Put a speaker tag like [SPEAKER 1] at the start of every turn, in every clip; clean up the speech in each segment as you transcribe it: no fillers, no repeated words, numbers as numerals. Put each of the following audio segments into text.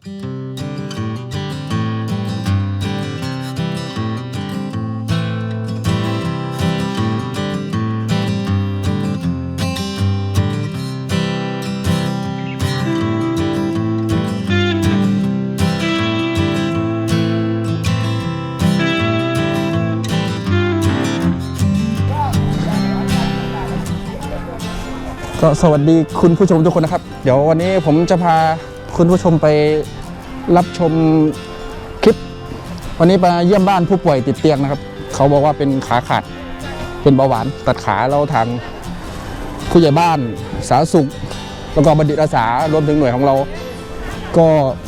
[SPEAKER 1] ก็สวัสดีคุณผู้ชมทุกคนนะครับเดี๋ยววันนี้ผมจะพาคุณผู้ชมไปรับชมคลิปวันนี้ไปเยี่ยมบ้านผู้ป่วยติดเตียงนะครับเขาบอกว่าเป็นขาขาดเป็นเบาหวานตัดขาเราทางผู้ใหญ่บ้านสาธารณสุขแล้วก็บัณฑิตอาสารวมถึงหน่วยของเราก็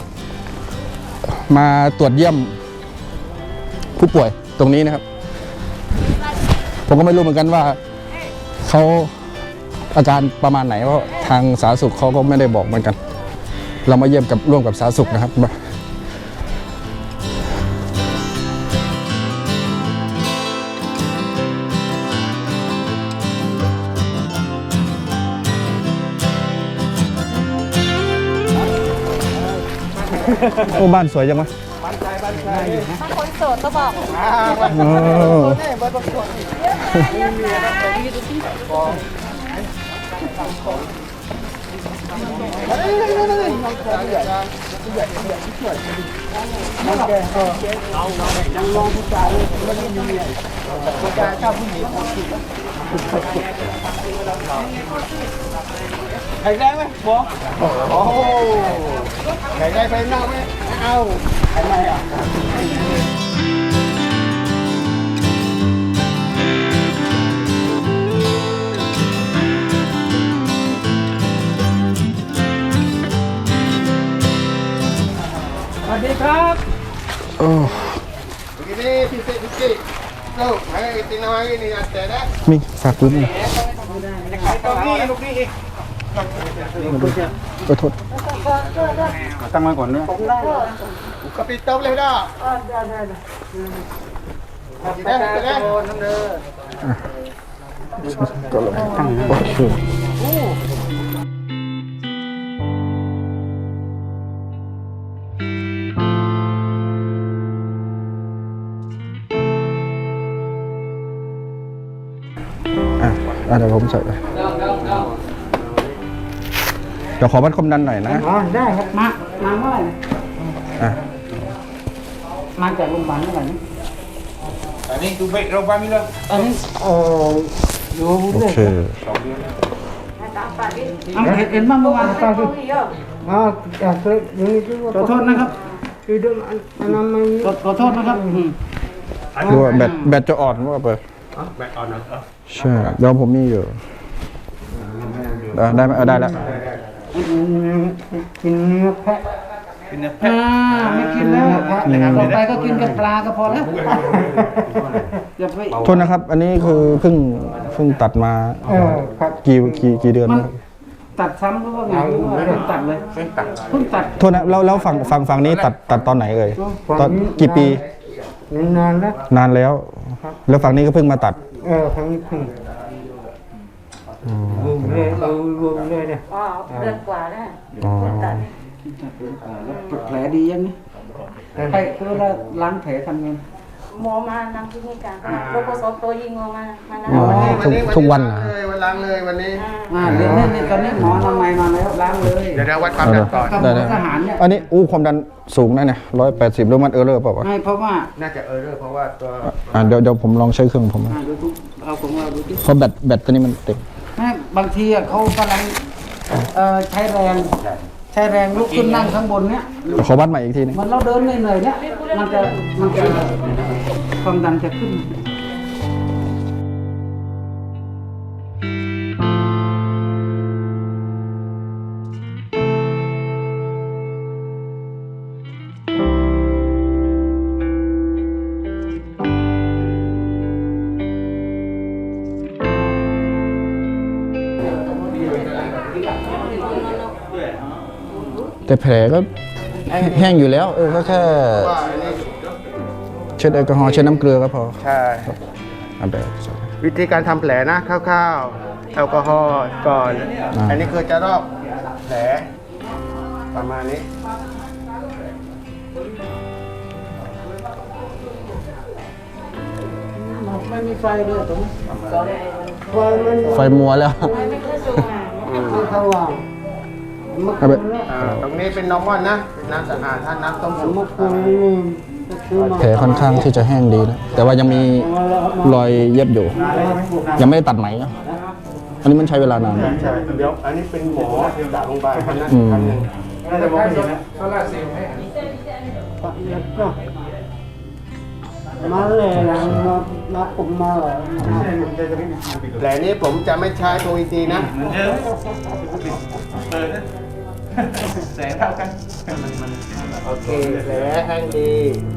[SPEAKER 1] มาตรวจเยี่ยมผู้ป่วยตรงนี้นะครับผมก็ไม่รู้เหมือนกันว่าเขาอาการประมาณไหนเพราะทางสาธารณสุขเขาก็ไม่ได้บอกเหมือนกันเรามาเยี่ยมกับร่วมกับสาธารณสุขนะครับโอ้บ้านสวยจังวะ
[SPEAKER 2] บ้านคนโสดก็บอกยังลองผู้ชายมันไม่มีผู้ชายชอบผู้หญิงแข็งแรงไหมบอกโอ้แข็งแรงไปนั่งไหมเอาทำไมอ่ะสวัสดีครับ
[SPEAKER 1] โอ้มีฝากปืนเลยขอโทษ
[SPEAKER 3] ตั้งไว้ก่อนด้วย
[SPEAKER 2] กระปิดโต๊ะเลยนะได้น้ำเดือ
[SPEAKER 1] ก็ลงโอเคเดี๋ยวผมใส่เดี๋ยวขอวัดความดันหน่อยนะ
[SPEAKER 2] ได้ครับมาเมื่อไหร่มาจากโรงพยาบาลเมื่อไหร่นี่
[SPEAKER 3] อันนี้ดูเบรโรงพยาบาลมีเลย
[SPEAKER 2] อันนี้อยู่
[SPEAKER 1] โอเค
[SPEAKER 2] เห็นบ้างเมื่อวานตาดิขอโทษนะครับขอโทษนะครับ
[SPEAKER 1] ดูว่าแบตจะอ่อนว่าเปิด
[SPEAKER 3] แบตอ่อนนะ
[SPEAKER 1] ใช่เดี๋ยวผมมีอยู่ได้ไหมได้แล้ว
[SPEAKER 2] กินเนื้อแพะไม่กินแล้วต่อไปก็กินกับปลาก็พอแล้ว
[SPEAKER 1] โทษนะครับอันนี้คือเพิ่งตัดมากี่เดือน
[SPEAKER 2] ตัดซ้ำหรือว่าไงเพิ่งตัดเลยเพิ่งตัด
[SPEAKER 1] โทษนะแล้วฝั่งนี้ตัดตอนไหนเอ่ยตอนกี่ปี
[SPEAKER 2] น
[SPEAKER 1] านแล้วแล้วฝั่งนี้ก็เพิ่งมาตัด
[SPEAKER 2] ฝั่งนี้เพิ่งรวมเลยเนี่ยเดือนกว่าแล้วตัดแล้วแผลดียังนี่ใครคือเราล้างแผลทำไงหมอมานั่งที่นี่กันโรคประสบตัวยิงออกมา
[SPEAKER 1] ทุกวันนะ
[SPEAKER 3] วันล้างเลยวันนี้
[SPEAKER 2] เดี๋ยวนี่ตอนนี้หมอทำไมมาแล้วล้างเลย
[SPEAKER 3] เดี๋ยววัดความดันก่อน
[SPEAKER 2] ทหารเนี่ย
[SPEAKER 1] อันนี้ความดันสูงนะเนี่ย180แล้วมันเออร์เลอร์เปล่าวะ
[SPEAKER 2] ไม่เพราะว่า
[SPEAKER 3] น่าจะเออร์เลอร์เพราะว่าตัว
[SPEAKER 1] เดี๋ยวผมลองใช้เครื่องผม
[SPEAKER 2] เอาของเราดูที่
[SPEAKER 1] เพราะแบตตัวนี้มันเต็ม
[SPEAKER 2] บางทีเขากำลังใช้แรงลุกขึ้นนั่งข้างบนเนี้ย
[SPEAKER 1] ขอวัดใหม่อีกทีนึง
[SPEAKER 2] มันเราเดินเหนื่อยๆเนี้ยมันจะความดันจะขึ้น
[SPEAKER 1] แต่แผลก็แห้งอยู่แล้วก็แค่เช็ดแอลกอฮอล์เช็ดน้ำเกลือก็พอ
[SPEAKER 3] ใช่วิธีการทำแผลนะคร่าวๆแอลกอฮอล์ก่อนอันนี้คือจะรอบแผลประมาณนี้
[SPEAKER 2] มีไฟด้วยตรงนี้ไฟมัน
[SPEAKER 1] ไฟมัวแล้ว
[SPEAKER 2] ไม่สว่าง
[SPEAKER 1] เอาไป
[SPEAKER 3] ตรงนี้เป็นนอร์มอนนะเป็นน้ำสะอาดถ้าน้ำต้มสุก
[SPEAKER 2] เมื่อคืนนี่ซื้อมา
[SPEAKER 1] แผลค่อนข้างที่จะแห้งดีนะแต่ว่ายังมีรอยเย็บอยู่ ยังไม่ได้ตัดไหมนะอันนี้มันใช้เวลานาน
[SPEAKER 3] ใช่เดี๋ยวอันนี้เป็นหมอจากโรงพยาบาลคนนั้น
[SPEAKER 1] อืม
[SPEAKER 3] ท่านหนึ่ง
[SPEAKER 2] แล้วก็มาเลยนะมาผมมาเลย
[SPEAKER 3] แผลนี้ผมจะไม่ใช้ตัวอีซีนะ
[SPEAKER 4] แสงเท่ากัน
[SPEAKER 3] โอเคแผลแห้งดี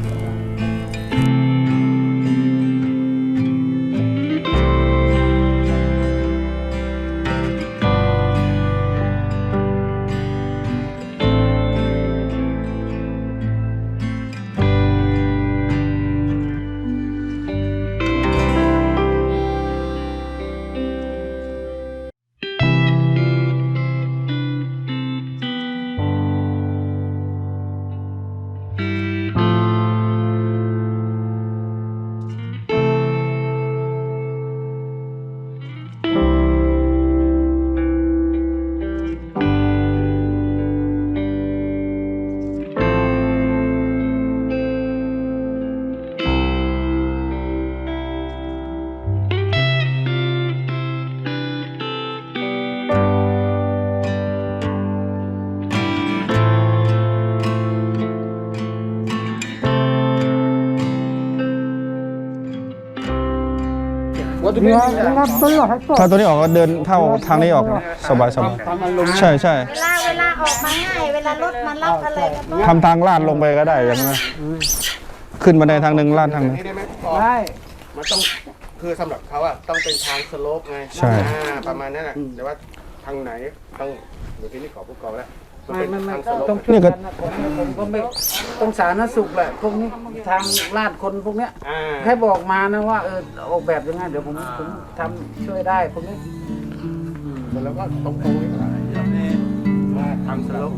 [SPEAKER 1] ถ้าตัวนี้ออกก็เดินเท่าทางนี้ออกนะสบายสบายใช่ใช่
[SPEAKER 5] เวลาออกมาง่าย เวลารถมารับอะไรก็ต้อง
[SPEAKER 1] ทำทางลาดลงไปก็ได้อย่างนั้นขึ้นบันไดทางหนึ่งลาดทางหนึ่ง
[SPEAKER 3] นี่ได้ไหม
[SPEAKER 2] ได้
[SPEAKER 3] มันต้องคือสำหรับเขาอะต้องเป็นทางสโลปไง
[SPEAKER 1] ใช่
[SPEAKER 3] ประมาณนั้นแหละแต่ว่าทางไหนต้องเดี๋ยวที่นี่ขอผู้กองแล้วมัน
[SPEAKER 2] ไม่
[SPEAKER 3] เป็น
[SPEAKER 2] ไม่
[SPEAKER 3] ทาง
[SPEAKER 2] ไม่
[SPEAKER 3] สโลป
[SPEAKER 2] ต้องช่วยกันนะผมก็ไม่ต้องสาธารณสุขแหละพวกนี้ทางลาดคนพวกเนี้ย
[SPEAKER 3] อ่า
[SPEAKER 2] แค่บอกมานะว่าออกแบบยังไงเดี๋ยวผมทำช่วยได้พวกนี้
[SPEAKER 3] แล้วก็ตรงๆนี่ก็ได้ทางสโลป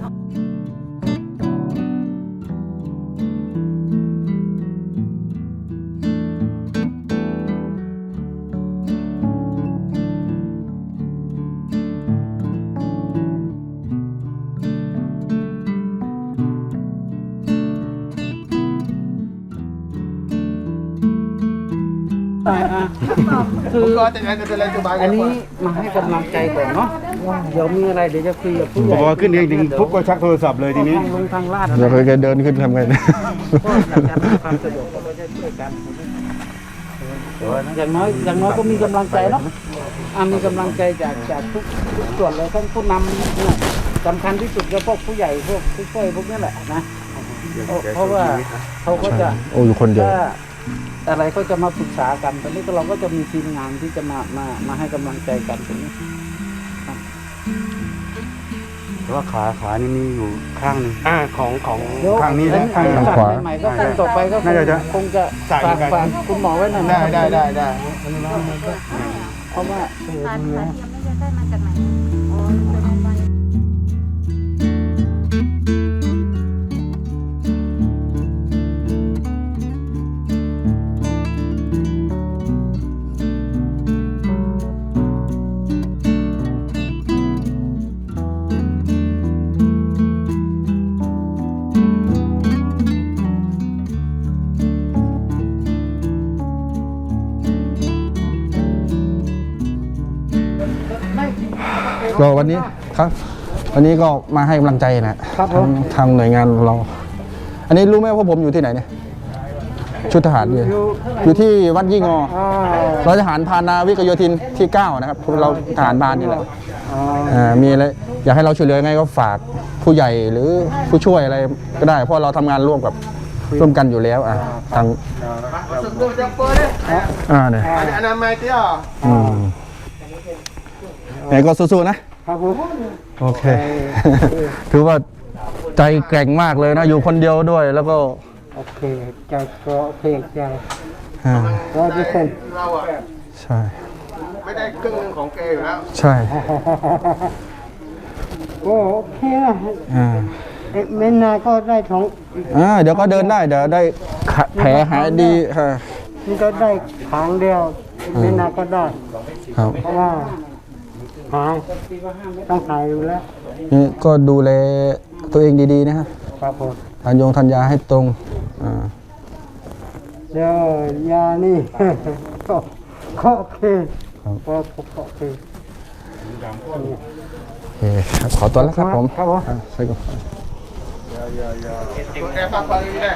[SPEAKER 2] คือ
[SPEAKER 3] ก็จะอะไรสบาย
[SPEAKER 2] อันนี้มาให้กำลังใจก่อนเนาะเดี๋ยวมีอะไรเดี๋ยวจะคุยกับผู้ใหญ่
[SPEAKER 4] พอขึ้นจริงๆปุ๊บก็ชักโทรศัพท์เลยทีนี้
[SPEAKER 2] ลงทางลาด
[SPEAKER 1] เดี๋ยวเคยเดินขึ้นทำไง
[SPEAKER 2] ก็อยากจะให้ความสะดวกก็เราจะช่วยกันอย่างน้อยก็มีกำลังใจเนาะมีกำลังใจจากทุกส่วนเลยทั้งผู้นำเนี่ยสำคัญที่สุดก็พวกผู้ใหญ่พวกผู้ช่วยพวกนี้แหละนะเพราะว่าเขาก็จะ
[SPEAKER 1] โอ้อยู่คนเดียว
[SPEAKER 2] ถ้าอะไรก็จะมาปรึกษากันตอนนี้ก็เราก็จะมีทีมงานที่จะมาให้กำลังใจกันตรงนี้
[SPEAKER 4] แต่ว่าขานี่มีอยู่ข้างหนึง
[SPEAKER 3] ของ
[SPEAKER 4] ข้างนี้นะข้าง
[SPEAKER 1] ทางขวา
[SPEAKER 2] ใหม่ๆก็คงต่อไปก็
[SPEAKER 4] น่าจะ
[SPEAKER 2] คงจะ
[SPEAKER 3] ใส่เหมือนกัน
[SPEAKER 2] ฝากคุณหมอไว้หน่อยนะ
[SPEAKER 3] ได้
[SPEAKER 2] เพราะว่า
[SPEAKER 5] ขาเทียมไม่จะได้มาจากไหนอ๋อเป็นวัน
[SPEAKER 1] ก็วันนี้ครับ วันนี้ก็มาให้กำลังใจนะครับ
[SPEAKER 2] ผม
[SPEAKER 1] ทางหน่วยงานเรา อันนี้รู้ไหมว่าผมอยู่ที่ไหนเนี่ยชุดทหารอยู่ที่วัดยี่งอเราทหารพานาวิกโยธินที่ 9 นะครับเราทหารพรานนี่แหละมีอะไรอยากให้เราช่วยเหลือยังไงก็ฝากผู้ใหญ่หรือผู้ช่วยอะไรก็ได้ เพราะเราทำงานร่วมกันอยู่แล้วทาง
[SPEAKER 3] สุดดูจะเปิดเลย
[SPEAKER 1] เนี่ย
[SPEAKER 3] อันนั้นไม่เที่ยว
[SPEAKER 1] ไหนก็สู้ๆนะครับ
[SPEAKER 2] ผม
[SPEAKER 1] โอเค ถือว่าใจแกร่งมากเลยนะ อยู่คนเดียวด้วยแล้วก็
[SPEAKER 2] โอเคใจก็โอเคใจ
[SPEAKER 1] อ่า
[SPEAKER 2] 100%
[SPEAKER 3] เราอะ
[SPEAKER 1] ใช่
[SPEAKER 3] ไม่ได้ครึ่งหนึงของแกอยู่แล้ว
[SPEAKER 1] ใช่
[SPEAKER 2] โอเคนะ
[SPEAKER 1] อ่า
[SPEAKER 2] ไม่นานก็ได้ท้อง
[SPEAKER 1] เดี๋ยวก็เดินได้เดี๋ยวได้แผลหายดีค่ะ
[SPEAKER 2] มันก็ได้ครั้งเดียว
[SPEAKER 6] ไม่นานก็ได้
[SPEAKER 1] ครับ
[SPEAKER 6] เพราะว่าหายต้องหายอยู่แล้ว
[SPEAKER 1] นี่ก็ดูแลตัวเองดีๆนะฮะ
[SPEAKER 6] ครับผม
[SPEAKER 1] ทานยาให้ตรง
[SPEAKER 6] เดี๋ยวยานี่ ก็โอเคก็โอเค
[SPEAKER 1] โอเคครับขอตัวแล้วครับผม
[SPEAKER 6] ครับผม
[SPEAKER 1] ใช่ครับ
[SPEAKER 3] แค่ฟังๆนี่แหละ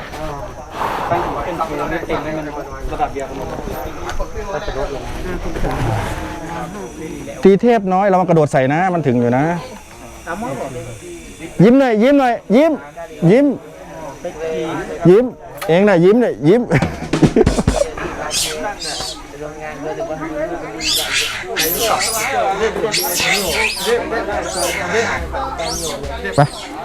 [SPEAKER 1] ตีเทพน้อยเรามากระโดดใส่นะ มันถึงอยู่นะ ยิ้มหน่อยยิ้มหน่อยยิ้มยิ้มยิ้มเองนะยิ้มหน่อยยิ้มไป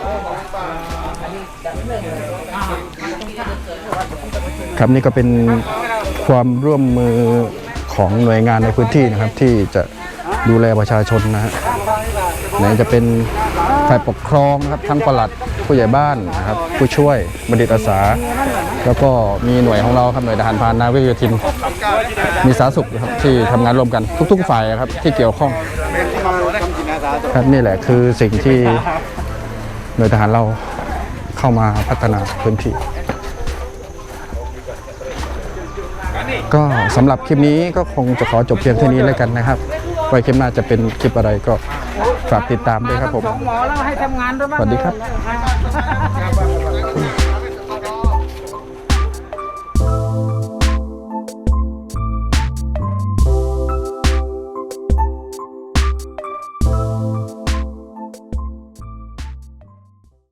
[SPEAKER 1] ครับนี่ก็เป็นความร่วมมือของหน่วยงานในพื้นที่นะครับ ที่จะดูแลประชาชนนะฮะไหนจะเป็นฝ่ายปกครองนะครับทั้งปลัดผู้ใหญ่บ้านนะครับผู้ช่วยบัณฑิตอาสา แล้วก็มีหน่วยของเราครับหน่วยทหารพรานนาวิกโยธินมีสาธารณสุขนะครับที่ทำงานร่วมกันทุกๆฝ่ายครับที่เกี่ยวข้องครับนี่แหละคือสิ่งที่หน่วยทหารเราเข้ามาพัฒนาพื้นที่ ก็สำหรับคลิปนี้ก็คงจะขอจบเพียงเท่านี้แล้วกันนะครับไว้คลิปหน้าจะเป็นคลิปอะไรก็ฝากติดตามด้วยครับผม
[SPEAKER 2] หมอแล้วให้ทำงานด้วยบ้าง
[SPEAKER 1] สวัสดีครับ